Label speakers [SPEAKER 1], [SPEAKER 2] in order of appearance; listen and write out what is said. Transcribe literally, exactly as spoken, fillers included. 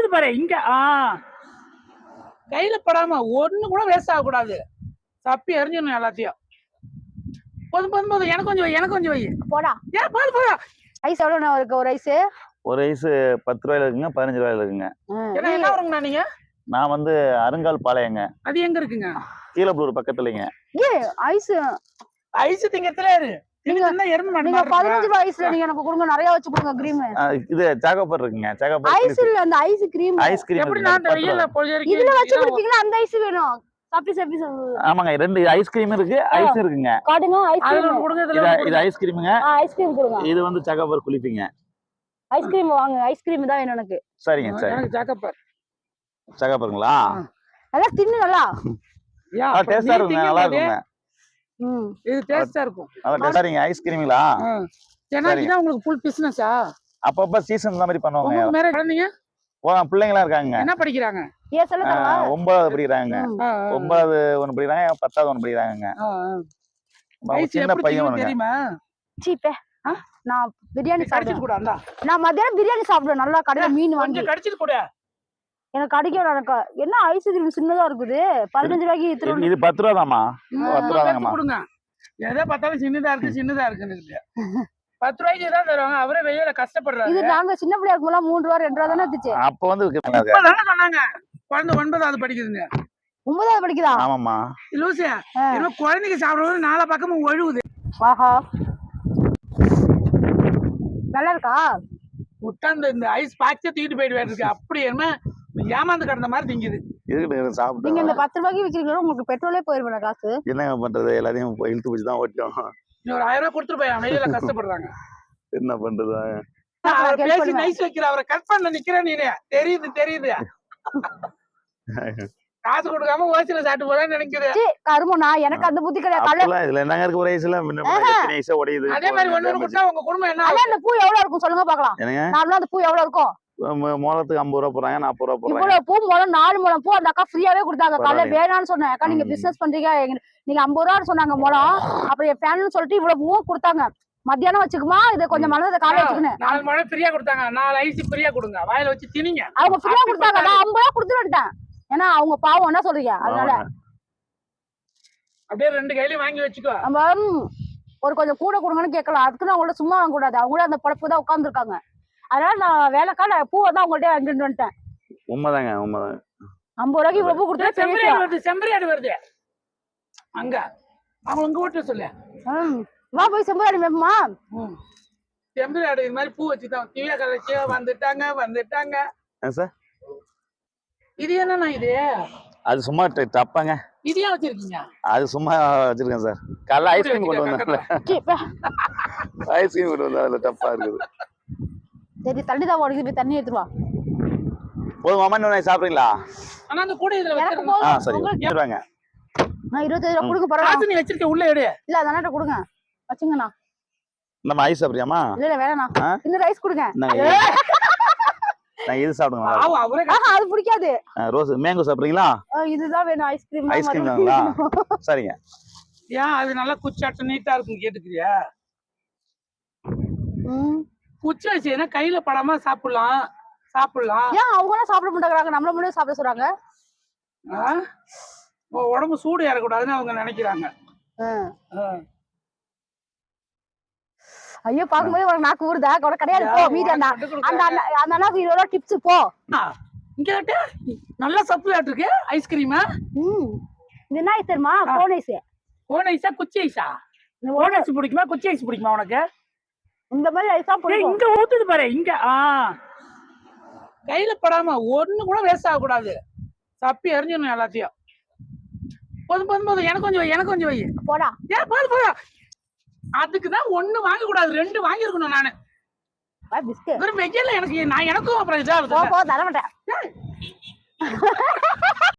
[SPEAKER 1] ஊத்துது பாரு இங்க. ஆ கையில படாம ஒண்ணு கூட வேஸ்ட் ஆக கூடாது. தப்பி எரிஞ்சிடணும் எல்லாத்தையும். போதும் போதும் போதும் எனக்கு கொஞ்சம் வை எனக்கு கொஞ்சம் வை.
[SPEAKER 2] போடா.
[SPEAKER 1] ஏன் போதும் போதும்.
[SPEAKER 2] ஐஸ் எவ்வளோண்ணா இருக்கு ஒரு ஐஸ்?
[SPEAKER 3] ஒரு ஐஸ் பத்து ரூபாயில இருக்குங்க, பதினஞ்சு ரூபாயில இருக்குங்க.
[SPEAKER 1] என்ன என்ன வருங்கண்ணா நீங்க?
[SPEAKER 3] நான் வந்து அருங்கால் பாளையங்க.
[SPEAKER 1] அது எங்க இருக்குங்க?
[SPEAKER 3] கீழப்பலூர் பக்கத்துலங்க.
[SPEAKER 2] ஏ ஐஸ்
[SPEAKER 1] ஐஸ் திங்கத்துல இரு. நீங்க எறும்பு மாடு
[SPEAKER 2] நீங்க பதினஞ்சு ரூபாய் ஐஸ்ல நீங்க எனக்கு கொடுங்க, நிறைய வச்சு கொடுங்க. கிரீம்
[SPEAKER 3] இது சாகோபார் இருக்குங்க. சாகோபார்
[SPEAKER 2] ஐஸ் இல்ல, அந்த ஐஸ் கிரீம்.
[SPEAKER 3] ஐஸ் கிரீம்
[SPEAKER 1] எப்படி நான் வெயில்ல பொழுது
[SPEAKER 2] இதுல வச்சு கொடுப்பீங்களா? அந்த ஐஸ் வேணும். சாப்பிட்டு சாப்பிட்டு.
[SPEAKER 3] ஆமாங்க, ரெண்டு ஐஸ் கிரீம் இருக்கு, ஐஸ் இருக்குங்க.
[SPEAKER 2] காட்டுங்க ஐஸ் கிரீம்
[SPEAKER 1] கொடுங்க.
[SPEAKER 3] இது இது ஐஸ் கிரீம்ங்க.
[SPEAKER 2] ஐஸ் கிரீம் கொடுங்க.
[SPEAKER 3] இது வந்து சாகோபார் குளிப்பீங்க.
[SPEAKER 2] ஐஸ் கிரீம் வாங்க. ஐஸ் கிரீம் தான் வேணும் எனக்கு.
[SPEAKER 3] சரிங்க சரி.
[SPEAKER 1] எனக்கு சாகோபார்.
[SPEAKER 3] சாகோபாருங்களா?
[SPEAKER 2] நல்லா தின்னு நல்லா.
[SPEAKER 1] யா
[SPEAKER 3] டேஸ்டா இருக்குங்க, நல்லா இருக்குங்க.
[SPEAKER 2] ம்
[SPEAKER 1] இது டேஸ்டா இருக்கும்.
[SPEAKER 3] நல்லா டேஸ்டாங்க ஐஸ் கிரீம்ங்களா?
[SPEAKER 1] ஏன்னா இதான் உங்களுக்கு ஃபுல் பிசினஸா?
[SPEAKER 3] அப்பப்ப சீசன் இந்த மாதிரி பண்ணுவாங்க.
[SPEAKER 1] உங்க மேரேஜ் குழந்தைங்க?
[SPEAKER 3] ஓ பிள்ளைங்களா இருக்காங்க.
[SPEAKER 1] என்ன படிக்கிறாங்க?
[SPEAKER 2] ஏ சொல்லுங்க.
[SPEAKER 3] ஒன்பதாவது படிக்கிறாங்க. ஒன்பதாவது ஒன்னு படிக்கிறாங்க, பத்தாவது ஒன்னு படிக்கிறாங்க. சின்ன பையன்
[SPEAKER 1] தெரியுமா?
[SPEAKER 2] சீப்பே. நான் பிரியாணி சாப்பிடுவேன்.
[SPEAKER 1] கூட அண்ணா.
[SPEAKER 2] நான் மதியானம் பிரியாணி சாப்பிடுவேன். நல்லா கடையில மீன் வாங்கி.
[SPEAKER 1] கொஞ்சம் கடிச்சிட்டு கூட.
[SPEAKER 2] எனக்கு கடிக்கும். எனக்கு என்ன ஐஸ் கிரீம் சின்னதா இருக்குது. பதினஞ்சு ரூபாய்க்கு இது.
[SPEAKER 3] இது பத்து ரூபா தாமா? பத்து ரூபா தாங்கம்மா.
[SPEAKER 1] கொடுங்க. எதை பார்த்தாலும் சின்னதா இருக்கு சின்னதா இருக்குன்னு. பத்து ரூபாய்க்கு தான் தருவாங்க. அவரே வெயில கஷ்டப்படுறாரு.
[SPEAKER 2] இது நாங்க சின்ன பிள்ளையா இருக்கும்போது மூணு ரூபா ரெண்டு ரூபா தானே இருந்துச்சு.
[SPEAKER 3] அப்ப வந்து
[SPEAKER 1] சொன்னாங்க குழந்தை ஒன்பதாவது படிக்குதுங்க.
[SPEAKER 2] ஒன்பதாவது படிக்குதா?
[SPEAKER 3] ஆமாம்மா.
[SPEAKER 1] லூசியா என்ன குழந்தைக்கு சாப்பிடுறது நாலா பக்கமும் ஒழுகுது.
[SPEAKER 2] ஆஹா நல்லா இருக்கா?
[SPEAKER 1] உட்காந்து இந்த ஐஸ் பாக்ஸே தூக்கிட்டு போயிட்டு இருக்கு. அப்படி என்ன ஏமாந்து கிடந்த மாதிரி திங்குது.
[SPEAKER 2] நீங்க இந்த பத்து ரூபாய்க்கு விக்கிறீங்களோ உங்களுக்கு பெட்ரோலே போயிருவேன் காசு.
[SPEAKER 3] என்னங்க பண்றது, எல்லாத்தையும் இழுத்து பிடிச்சி தான் ஓட்டோம்.
[SPEAKER 1] ஒரு ஆயிரம் ரூபாய் கொடுத்துட்டு போய் வெயில கஷ்டப்படுறாங்க.
[SPEAKER 3] என்ன பண்றது?
[SPEAKER 1] பேசி நைஸ் வைக்கிற அவரை கட் பண்ண நிக்கிற நீனே. தெரியுது தெரியுது. காசு கொடுக்காம ஓசில சாப்பிட்டு போதான் நினைக்கிறேன்.
[SPEAKER 2] கருமனா எனக்கு அந்த புத்தி கிடையாது.
[SPEAKER 3] இதுல என்னங்க இருக்கு? ஒரு ஐஸ்ல ஐஸா உடையுது.
[SPEAKER 1] அதே மாதிரி ஒண்ணு கொடுத்தா உங்க குடும்பம் என்ன?
[SPEAKER 2] அந்த பூ எவ்வளவு இருக்கும் சொல்லுங்க பாக்கலாம். நார்மலா அந்த பூ எவ்வளவு இருக்கும்?
[SPEAKER 3] மொளத்துக்கு ஐம்பது ரூபா போறாங்க, நாற்பது ரூபா போறாங்க.
[SPEAKER 2] இவ்வளவு பூ முளம் நாலு முளம் பூ அந்த அக்கா ஃப்ரீயாவே கொடுத்தாங்க. காலைல வேணான்னு சொன்னேன். அக்கா நீங்க பிசினஸ் பண்றீங்க, நீங்க ஐம்பது ரூபான்னு சொன்னாங்க முளம். அப்புறம் என் ஃபேன்னு சொல்லிட்டு இவ்வளவு பூ கொடுத்தாங்க. மத்தியானம் வச்சுக்குமா இதை கொஞ்சம் மனதை காலை வச்சுக்கணும்.
[SPEAKER 1] நாலு மழை ஃப்ரீயா கொடுத்தாங்க. நாலு ஐஸ் ஃப்ரீயா கொடுங்க. வாயில வச்சு திணிங்க.
[SPEAKER 2] அவங்க ஃப்ரீயா கொடுத்தாங்க. நான் ஐம்பது ரூபா கொடுத்துட்டு வந்துட்டேன். ஏன்னா அவங்க பாவம் என்ன சொல்றீங்க, அதனால
[SPEAKER 1] அப்படியே ரெண்டு கையிலயும் வாங்கி வச்சுக்கோ.
[SPEAKER 2] நம்ம ஒரு கொஞ்சம் கூட கொடுங்கன்னு கேட்கலாம். அதுக்கு நான் அவங்கள்ட்ட சும்மா வாங்க கூடாது. அவங்களும் அந்த பழப்பு தான் உட்காந்துருக்காங்க. அதனால நான் வேலைக்கால பூவை தான் உங்கள்கிட்ட வாங்கிட்டு வந்துட்டேன்.
[SPEAKER 3] உண்மைதாங்க உண்மைதான்.
[SPEAKER 2] ஐம்பது ரூபாய்க்கு இவ்வளவு பூ கொடுத்தா
[SPEAKER 1] செம்பரியாடு வருது. செம்பரியாடு வருது அங்க. அவங்க உங்க வீட்டுல சொல்லு.
[SPEAKER 2] வா போய் செம்பரியாடு மேம்மா.
[SPEAKER 1] செம்பரியாடு இது மாதிரி பூ வச்சுதான் திவ்யா கலைச்சியா வந்துட்டாங்க வந்துட்டாங்க.
[SPEAKER 3] சார்
[SPEAKER 1] இது என்னன்னா இது?
[SPEAKER 3] அது சும்மா டப்பாங்க.
[SPEAKER 1] இது ஏன் வச்சிருக்கீங்க? அது
[SPEAKER 3] சும்மா வச்சிருக்கேன் சார். காலைல ஐஸ்கிரீம் கொண்டு வந்தாங்கல்ல. ஐஸ்கிரீம் கொண்டு வந்தா அதுல டப்பா இருக்குது.
[SPEAKER 2] சரி தண்ணி தான் ஓடுது, போய் தண்ணி எடுத்து வா.
[SPEAKER 3] போதும் மாமா, இன்னும் சாப்பிடுறீங்களா?
[SPEAKER 1] ஆனா அந்த கூட இதுல
[SPEAKER 2] வச்சிருங்க.
[SPEAKER 3] ஆ சரி எடுத்துவாங்க.
[SPEAKER 2] நான் இருபத்தஞ்சு ரூபாய் கொடுங்க பரவாயில்லை.
[SPEAKER 1] காசு நீ வச்சிருக்க உள்ள எடு.
[SPEAKER 2] இல்ல அதனால கொடுங்க வச்சுங்கண்ணா.
[SPEAKER 3] நம்ம ஐஸ் சாப்பிடுறியாமா?
[SPEAKER 2] இல்ல இல்ல வேணாண்ணா. இந்த ரைஸ் கொடுங்க.
[SPEAKER 3] நான் இது சாப்பிடுங்க.
[SPEAKER 1] ஆவா அவரே
[SPEAKER 2] அது பிடிக்காது.
[SPEAKER 3] ரோஸ் மேங்கோ சாப்பிடுறீங்களா?
[SPEAKER 2] இதுதான் வேணும். ஐஸ்கிரீம்
[SPEAKER 3] ஐஸ்கிரீம் தாங்களா? சரிங்க.
[SPEAKER 1] ஏன் அது நல்லா குச்சாட்டு நீட்டா இருக்கும் கேட்டுக்கிறியா?
[SPEAKER 2] ம்
[SPEAKER 1] குச்சி வச்சுனா கையில படாம சாப்பிடலாம் சாப்பிடலாம்.
[SPEAKER 2] ஏன் அவங்க சாப்பிட மாட்டேங்கறாங்க, நம்மள மட்டும் சாப்பிட சொல்றாங்க?
[SPEAKER 1] உடம்பு சூடு ஏறக்கூடாதுன்னு அவங்க நினைக்கிறாங்க.
[SPEAKER 2] ஐயோ பாக்கும்போது உனக்கு நாக்கு ஊறுதா? உனக்கு கிடையாது போ. மீதி அந்த அந்த அந்த அண்ணாக்கு இருபது ரூபா டிப்ஸ் போ.
[SPEAKER 1] இங்க கேட்டு நல்லா சப்ளாட் இருக்கு ஐஸ்கிரீமா.
[SPEAKER 2] ம் இது என்ன ஐஸ் தெரியுமா? Cone ice.
[SPEAKER 1] கோன் ஐஸா குச்சி ஐஸா? கோன் ஐஸ் பிடிக்குமா குச்சி ஐஸ் பிடிக்குமா உனக்கு?
[SPEAKER 2] இந்த மாதிரி ஐஸா பிடிக்கும்.
[SPEAKER 1] இங்க ஊத்துது பாரு இங்க. ஆ கையில படாம ஒண்ணு கூட வேஸ்ட் ஆக கூடாது. தப்பி எரிஞ்சிடணும் எல்லாத்தையும். போதும் போதும் போதும் எனக்கு கொஞ்சம் வை எனக்கு கொஞ்சம் வை.
[SPEAKER 2] போடா.
[SPEAKER 1] ஏன் போதும் போதும். அதுக்குதான் ஒண்ணு வாங்க கூடாது, ரெண்டு வாங்கி இருக்கணும். நானு வெயில்ல எனக்கு நான் எனக்கும் அப்புறம் இதா
[SPEAKER 2] தர மாட்டேன்.